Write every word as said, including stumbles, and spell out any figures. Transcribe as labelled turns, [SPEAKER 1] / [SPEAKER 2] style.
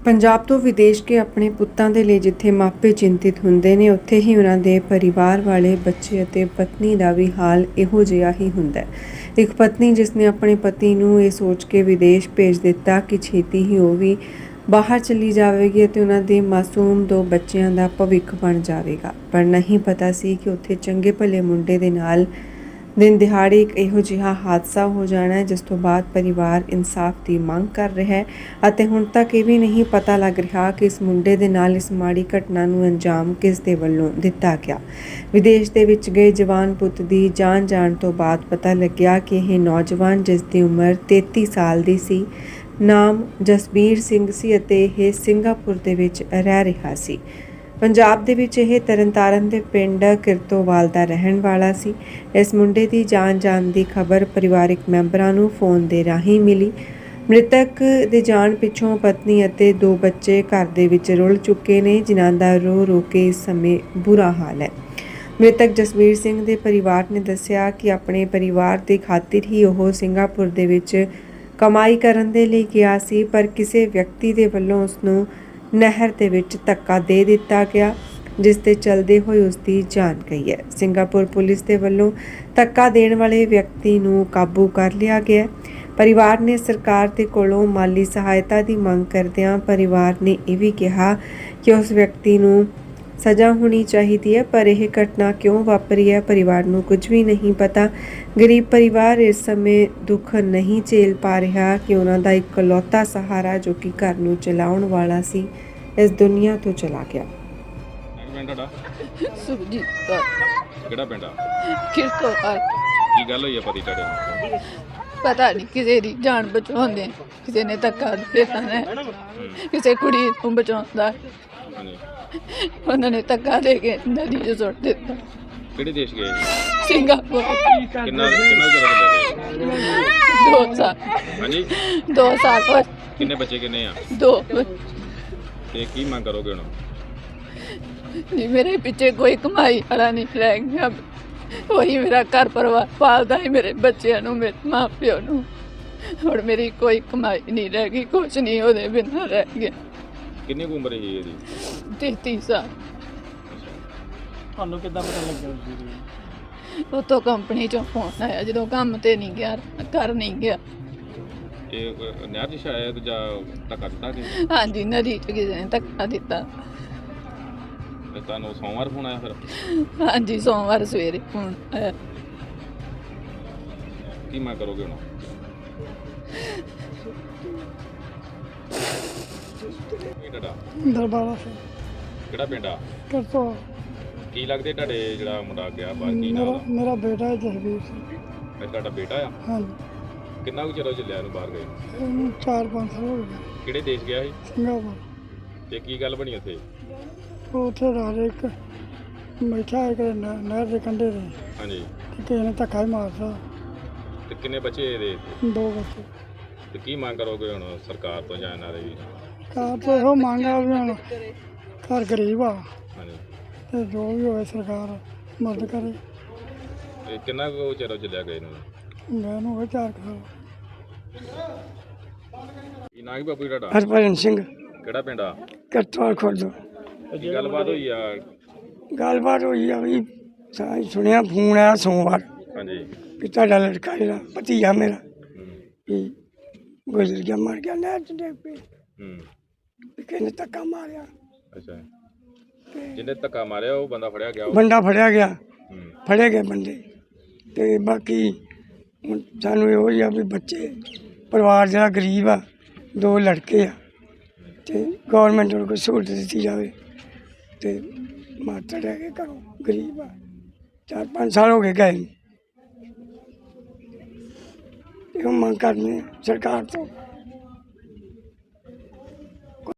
[SPEAKER 1] ਪੰਜਾਬ ਤੋਂ ਵਿਦੇਸ਼ ਕੇ ਆਪਣੇ ਪੁੱਤਾਂ ਦੇ ਲਈ ਜਿੱਥੇ ਮਾਪੇ ਚਿੰਤਿਤ ਹੁੰਦੇ ਨੇ, ਉੱਥੇ ਹੀ ਉਹਨਾਂ ਦੇ ਪਰਿਵਾਰ ਵਾਲੇ ਬੱਚੇ ਅਤੇ ਪਤਨੀ ਦਾ ਵੀ ਹਾਲ ਇਹੋ ਜਿਹਾ ਹੀ ਹੁੰਦਾ ਹੈ। ਇੱਕ ਪਤਨੀ ਜਿਸ ਨੇ ਆਪਣੇ ਪਤੀ ਨੂੰ ਇਹ ਸੋਚ ਕੇ ਵਿਦੇਸ਼ ਭੇਜ ਦਿੱਤਾ ਕਿ ਛੇਤੀ ਹੀ ਉਹ ਵੀ ਬਾਹਰ ਚਲੀ ਜਾਵੇਗੀ ਅਤੇ ਉਹਨਾਂ ਦੇ ਮਾਸੂਮ ਦੋ ਬੱਚਿਆਂ ਦਾ ਭਵਿੱਖ ਬਣ ਜਾਵੇਗਾ, ਪਰ ਨਹੀਂ ਪਤਾ ਸੀ ਕਿ ਉੱਥੇ ਚੰਗੇ ਭਲੇ ਮੁੰਡੇ ਦੇ ਨਾਲ ਦਿਨ ਦਿਹਾੜੇ ਇੱਕ ਇਹੋ ਜਿਹਾ ਹਾਦਸਾ ਹੋ ਜਾਣਾ ਹੈ, ਜਿਸ ਤੋਂ ਬਾਅਦ ਪਰਿਵਾਰ ਇਨਸਾਫ ਦੀ ਮੰਗ ਕਰ ਰਿਹਾ ਹੈ ਅਤੇ ਹੁਣ ਤੱਕ ਇਹ ਵੀ ਨਹੀਂ ਪਤਾ ਲੱਗ ਰਿਹਾ ਕਿ ਇਸ ਮੁੰਡੇ ਦੇ ਨਾਲ ਇਸ ਮਾੜੀ ਘਟਨਾ ਨੂੰ ਅੰਜਾਮ ਕਿਸ ਦੇ ਵੱਲੋਂ ਦਿੱਤਾ ਗਿਆ। ਵਿਦੇਸ਼ ਦੇ ਵਿੱਚ ਗਏ ਜਵਾਨ ਪੁੱਤ ਦੀ ਜਾਨ ਜਾਣ ਤੋਂ ਬਾਅਦ ਪਤਾ ਲੱਗਿਆ ਕਿ ਇਹ ਨੌਜਵਾਨ, ਜਿਸ ਦੀ ਉਮਰ ਤੇਤੀ ਸਾਲ ਦੀ ਸੀ, ਨਾਮ ਜਸਬੀਰ ਸਿੰਘ ਸੀ ਅਤੇ ਇਹ ਸਿੰਗਾਪੁਰ ਦੇ ਵਿੱਚ ਰਹਿ ਰਿਹਾ ਸੀ। ਪੰਜਾਬ ਦੇ ਵਿੱਚ ਇਹ ਤਰਨਤਾਰਨ ਦੇ ਪਿੰਡ ਕਿਰਤੋਵਾਲ ਦਾ ਰਹਿਣ ਵਾਲਾ ਸੀ। ਇਸ ਮੁੰਡੇ ਦੀ ਜਾਨ ਜਾਣ ਦੀ ਖਬਰ ਪਰਿਵਾਰਕ ਮੈਂਬਰਾਂ ਨੂੰ ਫੋਨ ਦੇ ਰਾਹੀਂ ਮਿਲੀ। ਮ੍ਰਿਤਕ ਦੇ ਜਾਣ ਪਿੱਛੋਂ ਪਤਨੀ ਅਤੇ ਦੋ ਬੱਚੇ ਘਰ ਦੇ ਵਿੱਚ ਰੁਲ ਚੁੱਕੇ ਨੇ, ਜਿਨ੍ਹਾਂ ਦਾ ਰੋ ਰੋ ਕੇ ਇਸ ਸਮੇਂ ਬੁਰਾ ਹਾਲ ਹੈ। ਮ੍ਰਿਤਕ ਜਸਬੀਰ ਸਿੰਘ ਦੇ ਪਰਿਵਾਰ ਨੇ ਦੱਸਿਆ ਕਿ ਆਪਣੇ ਪਰਿਵਾਰ ਦੀ ਖਾਤਰ ਹੀ ਉਹ ਸਿੰਗਾਪੁਰ ਦੇ ਵਿੱਚ ਕਮਾਈ ਕਰਨ ਦੇ ਲਈ ਗਿਆ ਸੀ, ਪਰ ਕਿਸੇ ਵਿਅਕਤੀ ਦੇ ਵੱਲੋਂ ਉਸ ਨੂੰ ਨਹਿਰ ਦੇ ਵਿੱਚ ਧੱਕਾ ਦੇ ਦਿੱਤਾ ਗਿਆ, ਜਿਸ ਦੇ ਚਲਦੇ ਹੋਏ ਉਸ ਦੀ ਜਾਨ ਗਈ ਹੈ। ਸਿੰਗਾਪੁਰ ਪੁਲਿਸ ਦੇ ਵੱਲੋਂ ਧੱਕਾ ਦੇਣ ਵਾਲੇ ਵਿਅਕਤੀ ਨੂੰ ਕਾਬੂ ਕਰ ਲਿਆ ਗਿਆ। ਪਰਿਵਾਰ ਨੇ ਸਰਕਾਰ ਦੇ ਕੋਲੋਂ ਮਾਲੀ ਸਹਾਇਤਾ ਦੀ ਮੰਗ ਕਰਦਿਆਂ ਪਰਿਵਾਰ ਨੇ ਇਹ ਵੀ ਕਿਹਾ ਕਿ ਉਸ ਵਿਅਕਤੀ ਨੂੰ ਸਜ਼ਾ ਹੋਣੀ ਚਾਹੀਦੀ ਹੈ, ਪਰ ਇਹ ਘਟਨਾ ਕਿਉਂ ਵਾਪਰੀ ਹੈ, ਪਰਿਵਾਰ ਨੂੰ ਕੁਝ ਵੀ ਨਹੀਂ ਪਤਾ। ਗਰੀਬ ਪਰਿਵਾਰ ਇਸ ਸਮੇਂ ਦੁੱਖ ਨਹੀਂ ਝੇਲ ਪਾ ਰਿਹਾ ਕਿ ਉਹਨਾਂ ਦਾ ਇਕਲੌਤਾ ਸਹਾਰਾ, ਜੋ ਕਿ ਘਰ ਨੂੰ ਚਲਾਉਣ ਵਾਲਾ ਸੀ, ਇਸ ਦੁਨੀਆ ਤੋਂ ਚਲਾ ਗਿਆ।
[SPEAKER 2] ਪਿੰਡ ਤੁਹਾਡਾ
[SPEAKER 3] ਸੁਖਜੀਤ ਕੌਰ।
[SPEAKER 2] ਕਿਹੜਾ ਪਿੰਡ ਆ?
[SPEAKER 3] ਕਿਰਤੋਵਾਲ।
[SPEAKER 2] ਕੀ ਗੱਲ ਹੋਈ ਆ ਪਤੀ ਤੁਹਾਡੇ ਨੂੰ?
[SPEAKER 3] ਪਤਾ ਨਹੀਂ ਕਿਸੇ ਦੀ ਜਾਨ ਬਚਾਉਂਦੇ, ਕਿਸੇ ਨੇ ਧੱਕਾ ਦੇ ਦਿੱਤਾ ਨੇ, ਕਿਸੇ ਕੁੜੀ ਨੂੰ ਬਚਾਉਂਦਾ,
[SPEAKER 2] ਹਾਂਜੀ,
[SPEAKER 3] ਉਹਨਾਂ ਨੇ ਧੱਕਾ ਦੇ ਕੇ ਨਦੀ 'ਚ ਸੁੱਟ ਦਿੱਤਾ।
[SPEAKER 2] ਕਿਹੜੇ ਦੇਸ਼ ਗਏ?
[SPEAKER 3] ਸਿੰਗਾਪੁਰ।
[SPEAKER 2] ਕਿੰਨਾ ਕਿੰਨਾ ਚਿਰ ਹੋ ਗਿਆ?
[SPEAKER 3] ਦੋ ਸਾਲ।
[SPEAKER 2] ਹਾਂਜੀ,
[SPEAKER 3] ਦੋ ਸਾਲ ਹੋਰ।
[SPEAKER 2] ਕਿੰਨੇ ਬੱਚੇ ਕਿੰਨੇ ਆ?
[SPEAKER 3] ਦੋ।
[SPEAKER 2] ਤੇ ਕੀ ਮੰਗ ਕਰੋਗੇ ਹੁਣ?
[SPEAKER 3] ਨਹੀਂ, ਮੇਰੇ ਪਿੱਛੇ ਕੋਈ ਕਮਾਈ ਵਾਲਾ ਨਹੀਂ ਰਹਿ ਗਿਆ। ਉਹੀ ਮੇਰਾ ਘਰ ਪਰਿਵਾਰ ਪਾਲਦਾ ਹੈ, ਮੇਰੇ ਬੱਚਿਆਂ ਨੂੰ, ਮੇਰੇ ਮਾਂ ਪਿਓ ਨੂੰ। ਹੁਣ ਮੇਰੀ ਕੋਈ ਕਮਾਈ ਨਹੀਂ ਰਹਿ ਗਈ, ਕੁਛ ਨਹੀਂ ਉਹਦੇ ਬਿਨਾਂ ਰਹਿ ਗਿਆ।
[SPEAKER 2] ਕਿੰਨੀ ਕੁ ਉਮਰ ਹੈ ਇਹਦੀ?
[SPEAKER 3] ਤੇਤੀ ਸਾਲ।
[SPEAKER 4] ਤੁਹਾਨੂੰ ਕਿੱਦਾਂ ਪਤਾ ਲੱਗਿਆ ਜੀ?
[SPEAKER 3] ਉੱਥੋਂ ਕੰਪਨੀ ਚੋਂ ਫੋਨ ਆਇਆ, ਜਦੋਂ ਕੰਮ ਤੇ ਨਹੀਂ ਗਿਆ, ਘਰ ਨਹੀਂ ਗਿਆ।
[SPEAKER 2] ਇਹ ਅਹ, ਨਹਿਰ 'ਚ ਸ਼ਾਇਦ ਜਾਂ ਧੱਕਾ ਦਿੱਤਾ ਕਿ
[SPEAKER 3] ਹਾਂਜੀ, ਨਦੀ 'ਚ ਕਿਸੇ ਨੇ ਧੱਕਾ ਦਿੱਤਾ।
[SPEAKER 2] ਤੇ ਤੁਹਾਨੂੰ ਸੋਮਵਾਰ ਫੋਨ ਆਇਆ ਫਿਰ?
[SPEAKER 3] ਹਾਂਜੀ, ਸੋਮਵਾਰ ਸਵੇਰੇ ਫੋਨ ਆਇਆ।
[SPEAKER 2] ਕੀ ਮੰਗ ਕਰੋਗੇ ਹੁਣ? ਕੀ ਤੁਹਾਡਾ?
[SPEAKER 4] ਦਰਬਾਰਾ ਸਿੰਘ।
[SPEAKER 2] ਕਿਹੜਾ ਪਿੰਡ ਆ?
[SPEAKER 4] ਕਿਰਤੋਵਾਲ।
[SPEAKER 2] ਕੀ ਲੱਗਦੇ ਤੁਹਾਡੇ ਜਿਹੜਾ ਮੁੰਡਾ ਗਿਆ ਬਾਹਰ, ਕੀ ਨਾਮ
[SPEAKER 4] ਮੇਰਾ
[SPEAKER 2] ਆ?
[SPEAKER 4] ਮੇਰਾ ਬੇਟਾ ਹੈ ਜਸਵੀਰ ਸਿੰਘ।
[SPEAKER 2] ਇਹ ਤੁਹਾਡਾ ਬੇਟਾ ਆ?
[SPEAKER 4] ਹਾਂਜੀ,
[SPEAKER 2] ਕਿੰਨਾ ਕੁ ਚਿਰ ਹੋ ਚੱਲਿਆ ਇਹਨੂੰ ਬਾਹਰ ਗਏ?
[SPEAKER 4] ਇਹਨੂੰ ਚਾਰ ਪੰਜ ਸਾਲ ਹੋ ਗਏ।
[SPEAKER 2] ਕਿਹੜੇ ਦੇਸ਼ ਗਿਆ ਸੀ
[SPEAKER 4] ਸਿੰਗਾਪੁਰ।
[SPEAKER 2] ਤੇ ਕੀ ਗੱਲ ਬਣੀ ਉੱਥੇ?
[SPEAKER 4] ਉਹ ਉੱਥੇ ਰਾਜ ਇੱਕ ਬੈਠਾ ਇੱਕ ਨਹਿ- ਨਹਿਰ ਦੇ ਕੰਢੇ ਤੇ,
[SPEAKER 2] ਹਾਂਜੀ,
[SPEAKER 4] ਤੇ ਕਿਸੇ ਨੇ ਧੱਕਾ ਹੀ ਮਾਰਤਾ।
[SPEAKER 2] ਤੇ ਕਿੰਨੇ ਬੱਚੇ ਇਹਦੇ?
[SPEAKER 4] ਦੋ ਬੱਚੇ।
[SPEAKER 2] ਤੇ ਕੀ ਮੰਗ ਕਰੋਗੇ ਹੁਣ ਸਰਕਾਰ ਤੋਂ ਜਾਂ ਇਹਨਾਂ ਦੇ ਵੀ?
[SPEAKER 4] ਕਾਰ ਤੋਂ ਇਹੋ ਮੰਗ ਆ ਵੀ ਹੁਣ ਘਰ ਗਰੀਬ ਆ,
[SPEAKER 2] ਹਾਂਜੀ,
[SPEAKER 4] ਤੇ ਜੋ ਵੀ ਹੋਵੇ ਸਰਕਾਰ ਮਦਦ ਕਰੇ।
[SPEAKER 2] ਤੇ ਕਿੰਨਾ ਕੁ ਚਿਰ ਹੋ ਚੱਲਿਆ ਗਏ ਨੂੰ?
[SPEAKER 4] ਮੈਂ ਨੂੰ ਹੋਵੇ ਚਾਰ ਕੁ ਸਾਲ।
[SPEAKER 2] ਕੀ ਨਾਂ ਕੀ ਬਾਪੂ ਜੀ ਤੁਹਾਡਾ?
[SPEAKER 4] ਹਰਭਜਨ ਸਿੰਘ।
[SPEAKER 2] ਕਿਹੜਾ ਪਿੰਡ ਆ?
[SPEAKER 4] ਕਿਰਤੋਵਾਲ ਖੁਰਦ।
[SPEAKER 2] ਕੀ ਗੱਲਬਾਤ ਹੋਈ ਆ?
[SPEAKER 4] ਗੱਲਬਾਤ ਹੋਈ ਆ ਵੀ ਸਾਂ ਸੁਣਿਆ ਫੋਨ ਆਇਆ ਸੋਮਵਾਰ
[SPEAKER 2] ਹਾਂਜੀ,
[SPEAKER 4] ਵੀ ਤੁਹਾਡਾ ਲੜਕਾ ਜਿਹੜਾ ਭਤੀਜਾ ਮੇਰਾ
[SPEAKER 2] ਹੂੰ,
[SPEAKER 4] ਵੀ ਗੁਜ਼ਰ ਗਿਆ, ਮਰ ਗਿਆ ਨਹਿਰ 'ਚ ਡਿੱਗ ਪਈ,
[SPEAKER 2] ਹੂੰ,
[SPEAKER 4] ਵੀ ਕਿਸੇ ਨੇ ਧੱਕਾ ਮਾਰਿਆ।
[SPEAKER 2] ਅੱਛਾ। ਜਿਹਨੇ ਧੱਕਾ ਮਾਰਿਆ ਉਹ ਬੰਦਾ ਫੜਿਆ ਗਿਆ? ਉਹ?
[SPEAKER 4] ਬੰਦਾ ਫੜਿਆ ਗਿਆ,
[SPEAKER 2] ਹੂੰ,
[SPEAKER 4] ਫੜੇ ਗਏ ਬੰਦੇ। ਤੇ ਬਾਕੀ ਹੁਣ ਸਾਨੂੰ ਇਹੋ ਹੀ ਆ ਵੀ ਬੱਚੇ, ਪਰਿਵਾਰ ਜਿਹੜਾ ਗਰੀਬ ਆ, ਦੋ ਲੜਕੇ ਆ, ਤੇ ਗੌਰਮੈਂਟ ਨੂੰ ਕੋਈ ਸਹੂਲਤ ਦਿੱਤੀ ਜਾਵੇ। ਤੇ ਮਾਤਾ ਰਹਿ ਕੇ ਘਰੋਂ ਗਰੀਬ ਆ, ਚਾਰ ਪੰਜ ਸਾਲ ਹੋ ਗਏ ਗਏ ਨੂੰ। ਇਹੋ ਮੰਗ ਕਰਨੀ ਸਰਕਾਰ ਤੋਂ।